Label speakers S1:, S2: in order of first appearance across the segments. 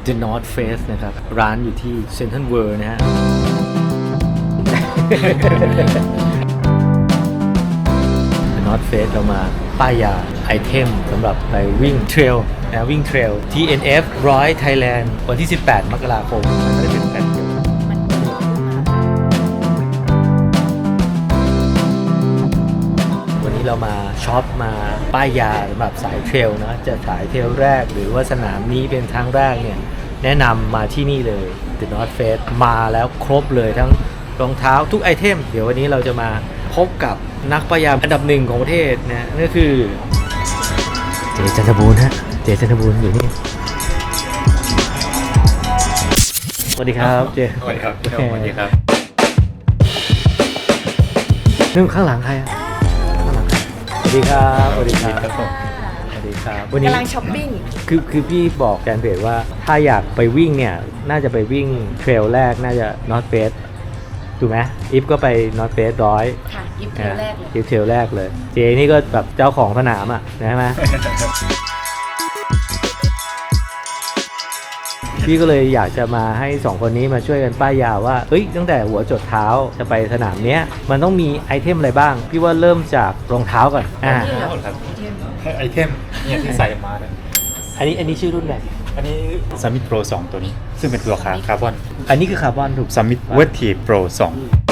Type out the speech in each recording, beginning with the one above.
S1: The North Face นะครับร้านอยู่ที่ Central World นะฮะ The North Face เรามาป้ายยาไอเทมสำหรับไปวิ่งเทรลนะวิ่งเทรล TNF 100 Thailand วันที่ 18 มกราคมมันไม่ได้เป็นแผ่นเดียววันนี้เรามาช็อปมาป้ายยาสำหรับสายเทรลนะจะสายเทรลแรกหรือว่าสนามนี้เป็นครั้งแรกเนี่ยแนะนำมาที่นี่เลย The North Face มาแล้วครบเลยทั้งรองเท้าทุกไอเทมเดี๋ยววันนี้เราจะมาพบกับนักป้ายยาอันดับหนึ่งของประเทศนะนั่นก็คือเจจันทบูรณ์ฮะเจจันทบูรณ์อยู่นี่สวัสดีครับเจ
S2: สวัสดีครับสวัสดีครับ
S1: นึ่งข้างหลังใครอ่ะข้างหลังใครสวัสดีครับสวัสดีครับสวัสดีครับวันนี้
S3: กำลังช้อปปิ้ง
S1: คือพี่บอกแกนเพจว่าถ้าอยากไปวิ่งเนี่ยน่าจะไปวิ่งเทรลแรกน่าจะ North Face ถูกไหมอิฟก็ไป North Face 100
S3: ค่ะยิบเทลแรกเลย
S1: อิฟเทรลแรกเลยเจนี่ก็แบบเจ้าของสนามอ่ะใช่ไหม พี่ก็เลยอยากจะมาให้2คนนี้มาช่วยกันป้ายยาว่าเอ้ยตั้งแต่หัวจดเท้าจะไปสนามเนี้ยมันต้องมีไอเทมอะไรบ้างพี่ว่าเริ่มจากรองเท้าก่อน
S2: ครับไอเทมเนี่ยที่ใส่มาเนี่ย
S1: อันนี้ชื่อรุ่นไหน
S2: อันนี้ Summit Pro 2 ตัวนี้ซึ่งเป็นตัวคาร์บอน
S1: อันนี้คือคาร์บอนถูก
S2: Summit Vertive Pro 2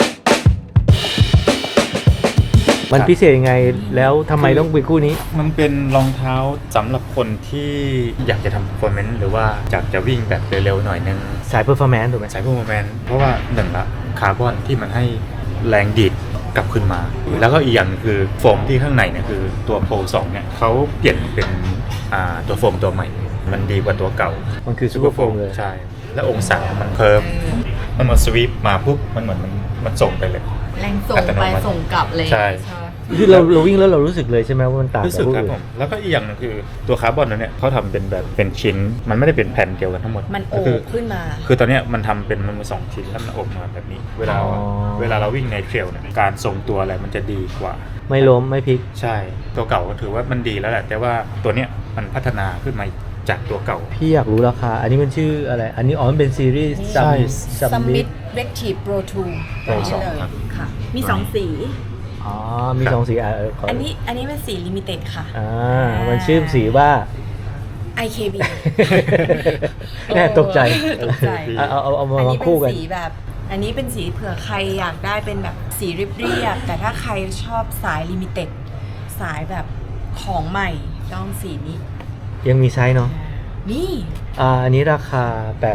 S1: มันพิเศษยังไงแล้วทำไมต้องเป็นคู่นี้
S2: มันเป็นรองเท้าสำหรับคนที่อยากจะทำ performance หรือว่าอยากจะวิ่งแบบเร็วๆหน่อยนึง
S1: สาย performance ถูกไหม
S2: สาย performance เพราะว่าหนึ่งละคาร์บอนที่มันให้แรงดีดกลับขึ้นมาแล้วก็อีกอย่างคือโฟมที่ข้างในเนี่ยคือตัว Pro 2เนี่ยเขาเปลี่ยนเป็นตัวโฟมตัวใหม่มันดีกว่าตัวเก่า
S1: มันคือซูเปอร์โฟมเลย
S2: ใช่แล้วองศามันเพิ่มมันมาสวีปมาปุ๊บมันเหมือนมันส่งไปเลย
S3: แรงส่งไปส่งกลับเลย
S2: ใช่
S1: คือเราวิ่งแล้วเรารู้สึกเลยใช่ไหมว่ามันต่าง
S2: รู้สึกครับผมแล้วก็อีกอย่างนึงคือตัวคาร์บอนเนี่ยเขาทำเป็นแบบเป็นชิ้นมันไม่ได้เป็นแผ่นเดียวกันทั้งหมด
S3: มันโอบขึ้นมา
S2: คือตอนนี้มันทำเป็นมันสองชิ้นแล้วมันโอบมาแบบนี้เวลาเราวิ่งในเทรลเนี่ยการทรงตัวอะไรมันจะดีกว่า
S1: ไม่ล้มไม่พลิก
S2: ใช่ตัวเก่าก็ถือว่ามันดีแล้วแหละแต่ว่าตัวเนี้ยมันพัฒนาขึ้นมาจากตัวเก่า
S1: พี่อยากรู้ราคาอันนี้มันชื่ออะไรอันนี้มันเป็นซีรีส์
S3: Summit Vertive Pro 2ตัวนี้เลยค่ะมี2สี
S1: อ๋อมี2สี
S3: อันนี้เป็นสีลิมิเต็ดค่ะ
S1: มันชื่อสีว่า
S3: IKB
S1: แน่ตกใจเอามาคู่กัน
S3: อันนี้เป็นสีแบบอันนี้เป็นสีเผื่อใครอยากได้เป็นแบบสีเรียบๆแต่ถ้าใครชอบสายลิมิเต็ดสายแบบของใหม่ต้องสีนี้
S1: ยังมีไซส์เนาะ
S3: นี่
S1: อันนี้ราคา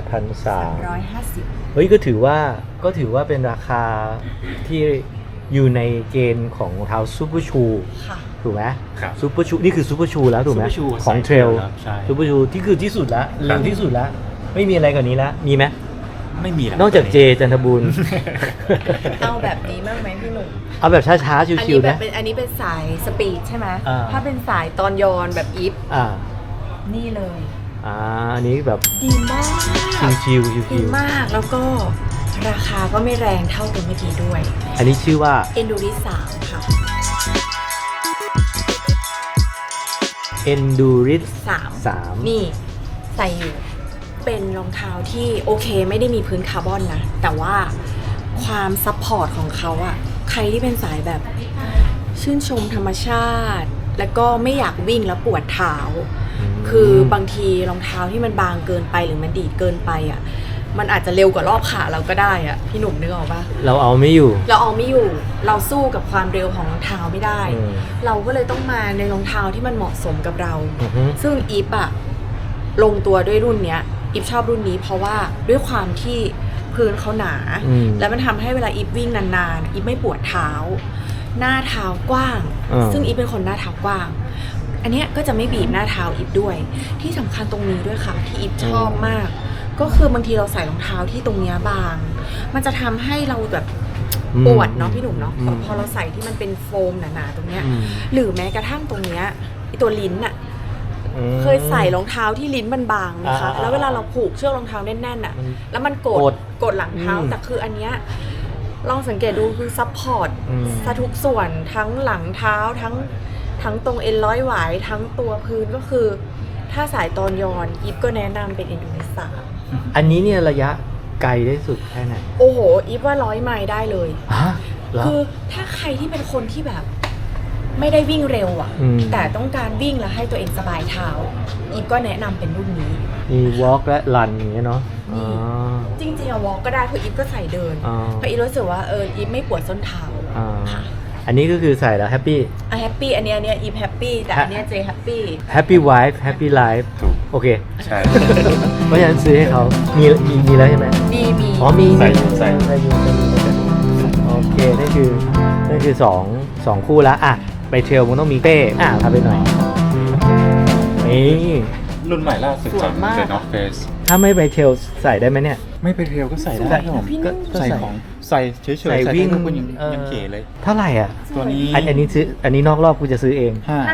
S1: 8,350 เฮ้ยก็ถือว่าเป็นราคาที่อยู่ในเกณฑ์ของรองเท้าซูเปอร์ชูถูกไหมซูเปอร์ชูนี่คือซูเปอร์ชูแล้วถูกไหมของเทรลซูเปอร์ชูที่คือที่สุดละเร็วที่สุดละไม่มีอะไรกว่านี้ละมีไหม
S2: ไม่มี
S1: นอกจากเจจันทบูรณ์
S3: เอาแบบนี้มากไหมพี่หนุ่ม
S1: เอาแบบช้าๆชิวๆนะ
S3: อันนี้เป็นสายสปีดใช่ไหมถ้าเป็นสายตอนยอนแบบอีฟนี่เลย
S1: อันนี้แบบ
S3: ดีมาก
S1: ชิวๆ
S3: ดีมากแล้วก็ราคาก็ไม่แรงเท่าตัวเมื่อกี้ด้วย
S1: อันนี้ชื่อว่า
S3: Endurance 3ค่ะ
S1: Endurance 3
S3: นี่ใส่อยู่เป็นรองเท้าที่โอเคไม่ได้มีพื้นคาร์บอนนะแต่ว่าความซัพพอร์ตของเขาอะใครที่เป็นสายแบบชื่นชมธรรมชาติแล้วก็ไม่อยากวิ่งแล้วปวดเท้าคือบางทีรองเท้าที่มันบางเกินไปหรือมันดีดเกินไปอะมันอาจจะเร็วกว่ารอบขาเราก็ได้อะพี่หนุ่มนึกออกปะ
S1: เราเอาไม่อยู่
S3: เราสู้กับความเร็วของรองเท้าไม่ได้เราก็เลยต้องมาในรองเท้าที่มันเหมาะสมกับเราซึ่งอีฟอะลงตัวด้วยรุ่นเนี้ยอีฟชอบรุ่นนี้เพราะว่าด้วยความที่พื้นเขาหนาแล้วมันทำให้เวลาอีฟวิ่งนานๆอีฟไม่ปวดเท้าหน้าเท้ากว้างซึ่งอีฟเป็นคนหน้าเท้ากว้างอันเนี้ยก็จะไม่บีบหน้าเท้าอีฟด้วยที่สำคัญตรงนี้ด้วยค่ะที่อีฟชอบมากก็คือบางทีเราใส่รองเท้าที่ตรงเนี้ยบางมันจะทำให้เราแบบปวดเนาะพี่หนุ่มเนาะพอเราใส่ที่มันเป็นโฟมหนาๆตรงเนี้ยหรือแม้กระทั่งตรงเนี้ยตัวลิ้นอะเคยใส่รองเท้าที่ลิ้นมันบางนะคะแล้วเวลาเราผูกเชือกรองเท้าแน่นๆอะแล้วมันกดหลังเท้าแต่คืออันเนี้ยลองสังเกตดูคือซัพพอร์ตซะทุกส่วนทั้งหลังเท้าทั้งตรงเอ็นร้อยหวายทั้งตัวพื้นก็คือถ้าสายตอนย้อนอีฟก็แนะนำเป็นอินโดนีเซีย
S1: อันนี้เนี่ยระยะไกลได้สุดแค่ไหน
S3: โอ้โหอีฟว่า100 ไมล์ได้เลย
S1: ฮะเหรอ
S3: คือถ้าใครที่เป็นคนที่แบบไม่ได้วิ่งเร็วอ่ะ
S1: อืม
S3: แต่ต้องการวิ่งแล้วให้ตัวเองสบายเท้าอีฟก็แนะนำเป็นรุ่นนี้
S1: มีวอล์กและรันอย่างเงี้ยเนาะอ๋อ
S3: จริงๆอะวอล์กก็ได้เพราะอีฟก็ใส่เดิน
S1: อ๋อ
S3: เพราะอีฟรู้สึกว่าอีฟไม่ปวดส้นเท้า
S1: อ่า
S3: ค่ะ
S1: อันนี้ก็คือใส่แล้วแฮปปี้
S3: แฮปปี้อันเนี้ยอีฟแฮปปี้แต่อันเนี้ยเจแฮปปี้
S1: แฮปปี้ไวฟ์แฮปปี้ไลฟ์
S2: ถูก
S1: โอเค
S2: ใช่
S1: เพราะฉะนั้นซื้อให้เขามีแล้วใช่ไหม
S3: มี
S1: อ๋อมี
S2: ใส่
S1: ใส่โอเคนั่นคือสองคู่ละอ่ะไปเทรลมันต้องมีเป้พาไปหน่อยนี่
S2: รุ่นใหม่ล่าสุดจาก The North Face
S1: ถ้าไม่ไปเทรลใส่ได้ไหมเนี่ย
S2: ไม่ไปเทรลก็ใส่ได้ครับผม
S1: ก็
S2: ใส่ของใส่เฉยๆ
S1: ใส่วิ่ง
S2: ได้ทุกคนยังเก๋เลย
S1: เท่าไหร่อ่ะ
S2: ตัวนี้
S1: อันนี้ซื้ออันนี้นอกรอบกูจะซื้อเอง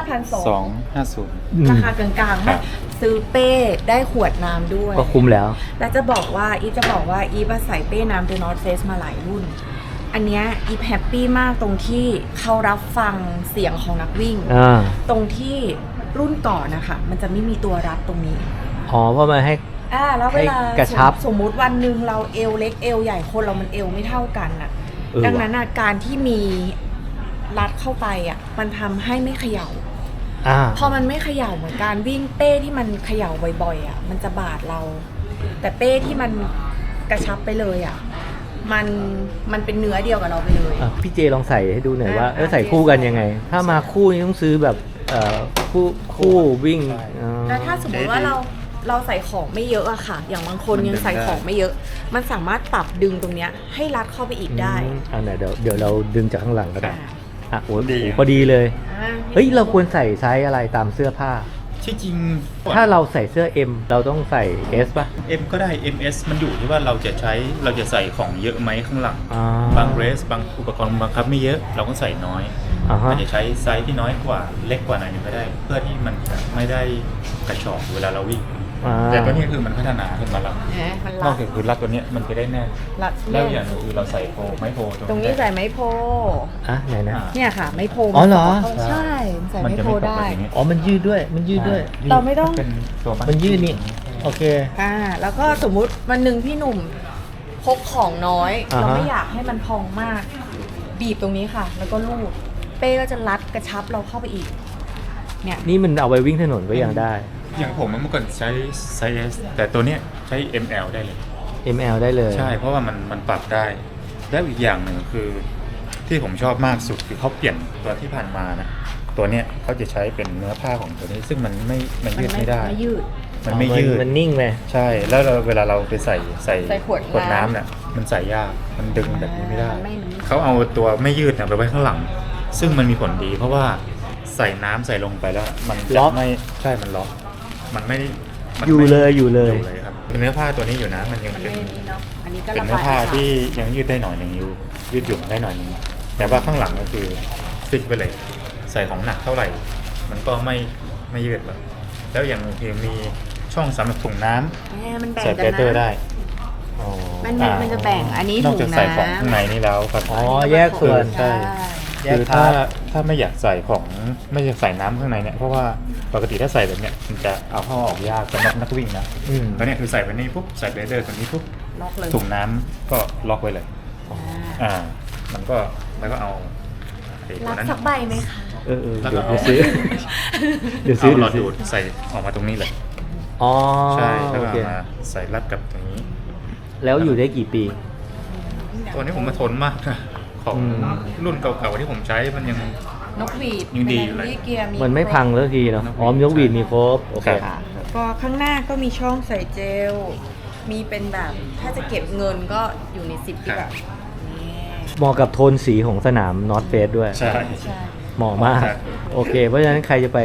S2: 5,250
S3: ราคากลางๆ
S2: ครั
S3: นะ
S2: บ
S3: ซื้อเป้ได้ขวดน้ำด้วย
S1: ก็คุ้มแล้ว
S3: แล้วจะบอกว่าอีฟใส่เป้น้ำ The North Face มาหลายรุ่น อันเนี้ยอีฟแฮปปี้มากตรงที่เขารับฟังเสียงของนักวิ่ง ตรงที่รุ่นก่อนนะคะมันจะไม่มีตัวรัดตรงนี้
S1: อ๋อเพราะมันให้
S3: แล้วเวลา
S1: ให้กระชับ
S3: สมมุติวันหนึ่งเราเอวเล็กเอวใหญ่คนเรามันเอวไม่เท่ากันน่ะ ดังนั้นการที่มีรัดเข้าไปมันทำให้ไม่เขย่า พอมันไม่เขย่าเหมือนการวิ่งเป้ที่มันเขย่าบ่อยๆมันจะบาดเรา แต่เป้ที่มันกระชับไปเลยมันเป็นเนื้อเดียวกับเราไปเลย
S1: พี่เจลองใส่ให้ดูหน่อยว่า
S3: อ่ะ
S1: ใส่คู่กันยังไง ถ้ามาคู่นี่ต้องซื้อแบบคู่วิ่ง
S3: แล้วถ้าสมมติว่าเราใส่ของไม่เยอะอะค่ะ อย่างบางคนยังใส่ของไม่เยอะ มันสามารถปรับดึงตรงเนี้ยให้รัดเข้าไปอีกได้
S1: ไหนเดี๋ยวเราดึงจากข้างหลังก็ได้ โอ้โห
S2: ดี
S1: พอดีเลย
S3: อ่า
S1: เฮ้ยเราควรใส่ไซส์อะไรตามเสื้อผ้า
S2: ที่จริง
S1: ถ้าเราใส่เสื้อ M เราต้องใส่ S ป่ะ
S2: M ก็ได้ MS มันอยู่ที่ว่าเราจะใส่ของเยอะไหมข้างหลัง บางเรสบางอุปกรณ์บังคับไม่เยอะเราก็ใส่น้อย อาจจะใช้ไซส์ที่น้อยกว่าเล็กกว่าหน่อยนึงก็ได้ เพื่อที่มันจะไม่ได้กระชอกเวลาเราวิ่ง แต่ตัวนี้คือมันพัฒนาขึ้นมาแล้ว
S3: มัน
S2: น
S3: รั
S2: อก
S3: ด
S2: จากคือรัดตัวเนี้ยมันจะได้แน่น
S3: รัด
S2: แล้ว
S3: แน่น
S2: อย่างหนึงคือเราใส่ไม้โพ
S3: ตรงนี้ใส่ไม้โพ
S1: ไหนนะ
S3: เนี่ยค่ะ ไม้โพ
S1: อ๋อเหรอ
S3: ใช่ใส่
S2: มัน
S3: ไม้
S2: จะ
S3: โพ
S2: ไม่ตก
S3: ได้
S2: แบบนี้
S1: อ๋อมันยืดด้วยมันยืดด้วย
S3: เราไม่ต้อง
S2: เป็นตัวมัด
S1: มันยืดนี่โอเค
S3: แล้วก็สมมุติวันหนึ่งพี่หนุ่มพกของน้อย
S1: อ่าฮะ
S3: เราไม่อยากให้มันพองมาก บีบตรงนี้ค่ะ แล้วก็ลูบเป้ก็จะรัดกระชับเราเข้าไปอีก เนี่ย
S1: นี่มันเอาไว้วิ่งถนนก็ยังได้
S2: อย่างผมเมื่อก่อนใช้ไซส์ S แต่ตัวเนี้ยใช้ ML ได้เลย
S1: ML ได้เลย
S2: ใช่เพราะว่ามันปรับได้ แล้วอีกอย่างหนึ่งคือที่ผมชอบมากสุดคือเขาเปลี่ยนตัวที่ผ่านมานะตัวเนี้ยเขาจะใช้เป็นเนื้อผ้าของตัวนี้ ซึ่งมันยืดไม่ได้
S3: ไม่ยืด
S2: มันไม่ยืด
S1: มันนิ่งเลย
S2: ใช่แล้วเวลาเราไปใส่
S3: ขวดน้ำ
S2: เนี่ยมันใส่ยากมันดึงแบบนี้ไม่ได้
S3: มันไม่รู้
S2: เขาเอาตัวไม่ยืดเนี่ยไปไว้ข้างหลัง ซึ่งมันมีผลดี เพราะว่าใส่น้ำใส่ลงไปแล้ว มัน
S1: ล็
S2: จะ
S1: อก
S2: ไม่ใช่มันล็อกมันไม่มัน
S1: อยู่
S2: ไม่
S1: เลยอยู่เลย
S2: ครับเนื้อผ้าตัวนี้อยู่นะมันยัง
S3: มัน
S2: เป็น
S3: ไม่นี้เนาะอันนี้ก็
S2: เป็น
S3: ระ
S2: เนื้อบ
S3: าย
S2: ผ้า
S3: อากาศ
S2: ที่ยังยืดได้หน่อยหนึ่งยืดหยุ่นได้หน่อยหนึ่งแต่ว่าข้างหลังก็คือฟิกไปเลย ใส่ของหนักเท่าไหร่ มันก็ไม่ยืดแบบแล้วอย่างคือมีช่องสำหรับถุงน้ำ
S3: มันแบ่ง
S2: ใส่
S3: กั
S2: เบ
S3: น
S2: เตอร์
S3: นะ
S2: ได้
S3: มันจะแบ่งอันนี้
S2: นอก
S3: ถุ
S2: จาก
S3: ง
S2: ใส่ของ
S3: น้ำ
S2: ข้างในนี่แล้วครับ
S1: อ๋อแยกส่วน
S3: ใช่
S1: แยก
S2: คือ
S1: พาร์ท
S2: ถ้าไม่อยากใส่ของไม่อยากใส่น้ำข้างในเนี่ยเพราะว่าปกติถ้าใส่แบบเนี้ยมันจะเอาเข้าออกยากสำหรับนักวิ่งนะ
S1: อืม
S2: แล้วเนี่ยคือใส่ไปนี่ปุ๊บใส่เบเตอร์ตัวนี้ปุ๊บ
S3: ล็อกเลย
S2: ถุงน้ำก็ล็อกไว้เลย มันก็แล้วก็เอาไอ้ตั
S3: รั
S2: ว
S3: บ
S2: นั้น
S3: สักใบไหมคะ
S2: แล้ว
S1: เดี๋
S2: ก็
S1: ยวซื้อ เดี๋ยวซื้
S2: เอา
S1: อ
S2: หลอด
S1: ซื้
S2: ดูดใส่ออกมาตรงนี้เลย
S1: อ๋อ
S2: ใช่แล้ว
S1: โอ
S2: ก็
S1: เค
S2: เอามาใส่รัดกับตรงนี้
S1: แล้วอยู่ได้กี่ปี
S2: ตัวนี้ผมมาทนมากนะของ
S1: อืม
S2: รุ่นเก่าๆที่ผมใช้มันยัง
S3: นกหวีด
S2: ยังดีอยู่เลย
S3: เกียร์
S1: มันไม่พังแล้วทีเนาะอ๋อมยกหวีดมีครบโอเค
S2: ครับ
S3: แล้วก็ข้างหน้าก็มีช่องใส่เจล มีเป็นแบบถ้าจะเก็บเงินก็อยู่ใน10ที่แบบนี่
S1: เหมาะกับโทนสีของสนามนอตเฟสด้วย
S2: ใช่
S3: ใช่
S1: เหมาะมาก
S2: ครับ
S1: โอเค เพราะฉะนั้นใครจะไป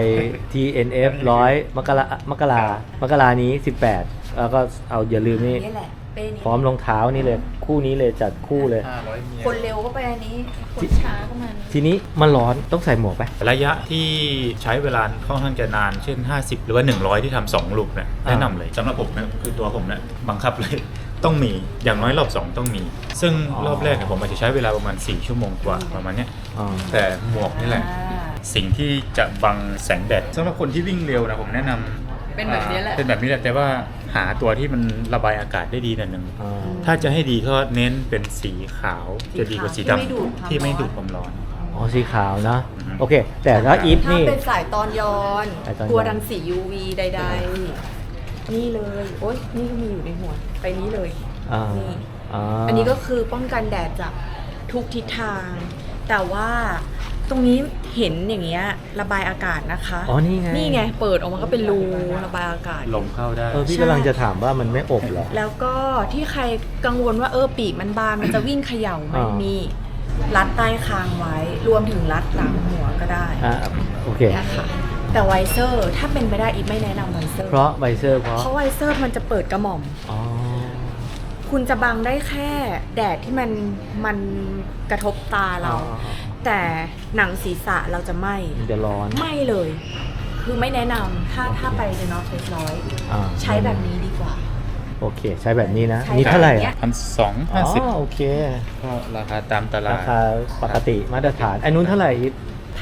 S1: TNF 100มกรานี้ 18 แล้วก็เอาอย่าลืมนี่
S3: นี่แหละเป้นี้
S1: พร้อมรองเท้านี่เลย คู่นี้เลยจัดคู่เลย
S2: 500เมีย
S3: คนเร็วก็ไปอันนี้ คนช้าก็มัน
S1: ทีนี้มันร้อนต้องใส่หมวกไหม
S2: ระยะที่ใช้เวลาค่อนข้างจะนาน เช่น 50 หรือว่า 100 ที่ทำ2ลูกเนี่ยแนะนำเลยสำหรับผมเนี่ยคือตัวผมเนี่ยบังคับเลย ต้องมีอย่างน้อยรอบ 2 ต้องมี ซึ่งรอบแรกเนี่ยผมอาจจะใช้เวลาประมาณ 4 ชั่วโมงกว่าประมาณเนี้ย
S1: อ๋อ
S2: แต่หมวกนี่แหละ สิ่งที่จะบังแสงแดดสำหรับคนที่วิ่งเร็วนะผมแนะนำ
S3: เป็นแบบนี้แหละ
S2: เป็นแบบนี้แหละแต่ว่าหาตัวที่มันระบายอากาศได้ดีหน่อยหนึง
S1: อ่า
S2: ถ้าจะให้ดีก็เน้นเป็นสีขาวจะดีกว่าสีดำที่ไม่ดูดความร้อน
S1: อ๋อสีขาวนะ
S2: อือฮึ
S1: โอเค แต่ถ้าอีฟ
S3: ถ้า
S1: นี่
S3: เป็นสายตอนย้อน
S1: สายตอนย้อน
S3: กลัวรังสี UV ใดๆ นี่เลย โอ๊ย นี่ก็มีอยู่ในหัว ไปนี้เลย
S1: อ่า
S3: นี่
S1: อ่า
S3: อันนี้ก็คือป้องกันแดดจากทุกทิศทาง แต่ว่าตรงนี้เห็นอย่างเงี้ยระบายอากาศนะคะ
S1: อ๋อนี่ไง
S3: นี่ไง เปิดออกมาก็เป็นรูระบายอากาศ
S2: ลมเข้าได้
S1: พี่
S3: ใช่
S1: กำลังจะถามว่ามันไม่อบเหรอ
S3: แล้วก็ที่ใครกังวลว่าปีกมันบานมันจะวิ่งเขย่าไหม
S1: อ่ามี
S3: มีรัดใต้คางไว้ รวมถึงรัดหลังหัวก็ได้
S1: อ่าโอเค
S3: นะคะแต่ไวเซอร์ถ้าเป็นไปได้อีฟไม่แนะนำไวเซอร์
S1: เพราะไวเซอร์เพราะ
S3: เพราะไวเซอร์มันจะเปิดกระหม่อม
S1: อ๋อ
S3: คุณจะบังได้แค่แดดที่มันกระทบตาเรา แต่หนังศีรษะเราจะไม่
S1: มันจะร้อน
S3: ไม่เลย คือไม่แนะนำถ้าไปเดนอฟเฟสร้อย
S1: อ่า
S3: ใช้แบบนี้ดีกว่า
S1: โอเค ใช้แบบนี้นะ
S3: ใช้
S1: นี่เท่าไหร่
S3: แบบเนี้
S1: อ่ะ
S3: ย
S2: 1,250
S1: อ๋อโอเค
S2: ก็ราคาตามตลา
S1: รา
S2: ด
S1: คาปกติมาตรฐานอันนู้นเท่าไหร่อีฟ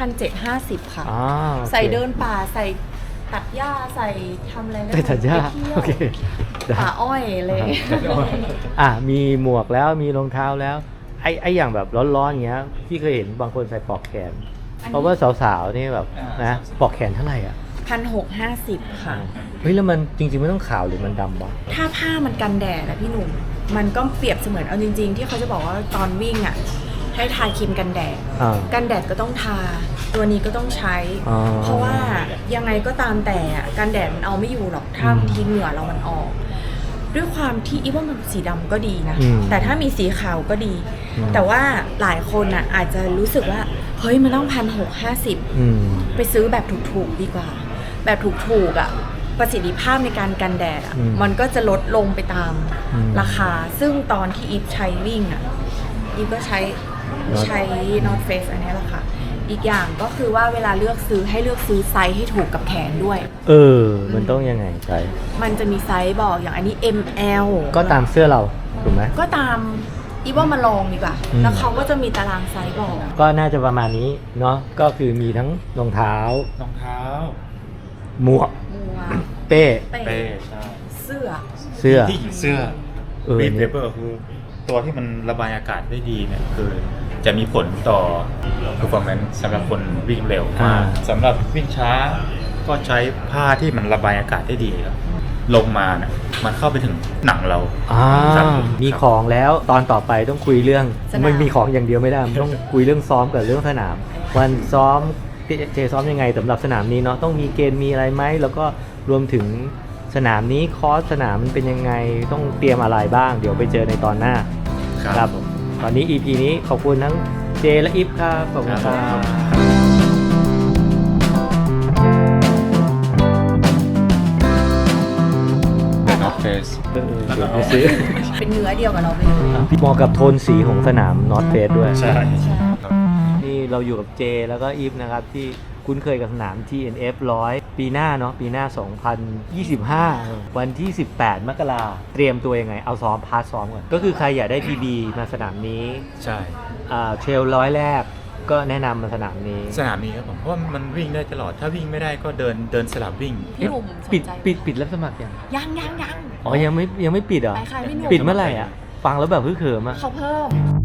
S3: 1,750 ค่ะ
S1: อ๋อโอค
S3: ใส่เดินป่าใส่ตัดหญ้าใส่ทำอะไรก็
S1: ใส่ถัดยา
S3: ไปเที่ยว
S1: โอเคได้
S3: ป่าอ้อยเลย
S1: อ่ะมีหมวกแล้วมีรองเท้าแล้วไอ้อย่างแบบร้อนๆอย่างเงี้ยพี่เคยเห็นบางคนใส่ปลอกแขน เพราะว่าสาวๆนี่แบบนะปลอกแขนเท่าไหร่อ่ะ
S3: 1,650 ค่ะ
S1: เฮ้ยแล้วมันจริงๆไม่ต้องขาวหรือมันดำวะ
S3: ถ้าผ้ามันกันแดดนะพี่หนุ่ม มันก็เปรียบเสมือนเอาจริง ๆ ที่เขาจะบอกว่าตอนวิ่งอ่ะ ให้ทาครีมกันแดด
S1: อ่า
S3: กันแดดก็ต้องทา ตัวนี้ก็ต้องใช้
S1: อ๋อ
S3: เพราะว่ายังไงก็ตามแต่อะกันแดดมันเอาไม่อยู่หรอก ถ้าบางทีเหงื่อเรามันออก ด้วยความที่อีว่ามันสีดำก็ดีนะ
S1: อืม
S3: แต่ถ้ามีสีขาวก็ดี
S1: อืม
S3: แต่ว่าหลายคนอ่ะอาจจะรู้สึกว่า เฮ้ยมันต้อง1,650
S1: อืม
S3: ไปซื้อแบบถูกๆดีกว่า แบบถูกๆอ่ะประสิทธิภาพในการกันแดดอ่ะ
S1: อืม
S3: มันก็จะลดลงไปตาม
S1: อืม
S3: ราคา ซึ่งตอนที่อีฟใช้วิ่งอ่ะอีฟก็ใช้ North Face อันนี้แหละค่ะ อีกอย่างก็คือว่าเวลาเลือกซื้อให้เลือกซื้อไซส์ให้ถูกกับแขนด้วย
S1: เออ มันต้องยังไงใจ
S3: มันจะมีไซส์บอกอย่างอันนี้ ML
S1: ก็ตามเสื้อเราถูกไหม
S3: ก็ตามอีฟว่ามาลองดีกว่า
S1: อืม
S3: แล้วเขาก็จะมีตารางไซส์บอก
S1: ก็น่าจะประมาณนี้เนาะก็คือมีทั้งรองเท้า
S2: รองเท้า
S1: หมวก
S3: มัว
S1: เป้
S3: เป้
S2: เป้ใช่
S3: เสื้อ
S1: เสื้อ
S2: ที่เสื้อ
S1: เออ
S2: บีทเวเปอร์คือตัวที่มันระบายอากาศได้ดีเนี่ยคือจะมีผลต่อ performance สำหรับคนวิ่งเร็วมากสำหรับวิ่งช้าก็ใช้ผ้าที่มันระบายอากาศได้ดีครับลงมาเนี่ยมันเข้าไปถึงหนังเรา
S1: อ่า
S2: ครับ
S1: มีของแล้วตอนต่อไปต้องคุยเรื่อง
S3: สนาม
S1: มันมีของอย่างเดียวไม่ได้มันต้องคุยเรื่องซ้อมกับเรื่องสนาม วันซ้อมเจซ้อมยังไงสำหรับสนามนี้เนาะต้องมีเกณฑ์มีอะไรไหมแล้วก็รวมถึงสนามนี้คอร์สสนามมันเป็นยังไงต้องเตรียมอะไรบ้าง เดี๋ยวไปเจอในตอนหน้า
S2: ครับ
S1: ตอนนี้ EP นี้ขอบคุณทั้งเจและอิฟครับขอบคุณครับ
S2: เป็น North Face
S1: เดี๋ยวไปซื้อ
S3: เป็นเนื้อเดียวกับเราไปเลย
S1: เหมาะกับโทนสีของสนามนอตเฟสด้วย
S2: ใช่
S1: นี่เราอยู่กับเจแล้วก็อีฟนะครับ ที่คุ้นเคยกับสนาม TNF 100 ปีหน้าเนาะปีหน้า 2025 วันที่ 18 มกราเตรียมตัวยังไง เอาซ้อมพาร์ทซ้อมก่อน ก็คือใครอยากได้ PB มาสนามนี้
S2: ใช่
S1: เทรลร้อยแรกก็แนะนำมาสนามนี้
S2: สนามนี้ครับผมเพราะว่ามันวิ่งได้ตลอดถ้าวิ่งไม่ได้ก็เดินสลับวิ่ง
S3: พี่หนุ่มสน
S1: ปิด
S3: ใจ
S1: ปิดรับสมัครยัง
S3: ยัง
S1: อ๋อยังไม่ปิดเหรอ
S3: ไปค่ะพี่หนุ่ม
S1: ปิดเมื่อไหร่อ่ะ ฟังแล้วแบบฮึ่เขิมอ่ะ
S3: เขาเพิ่ม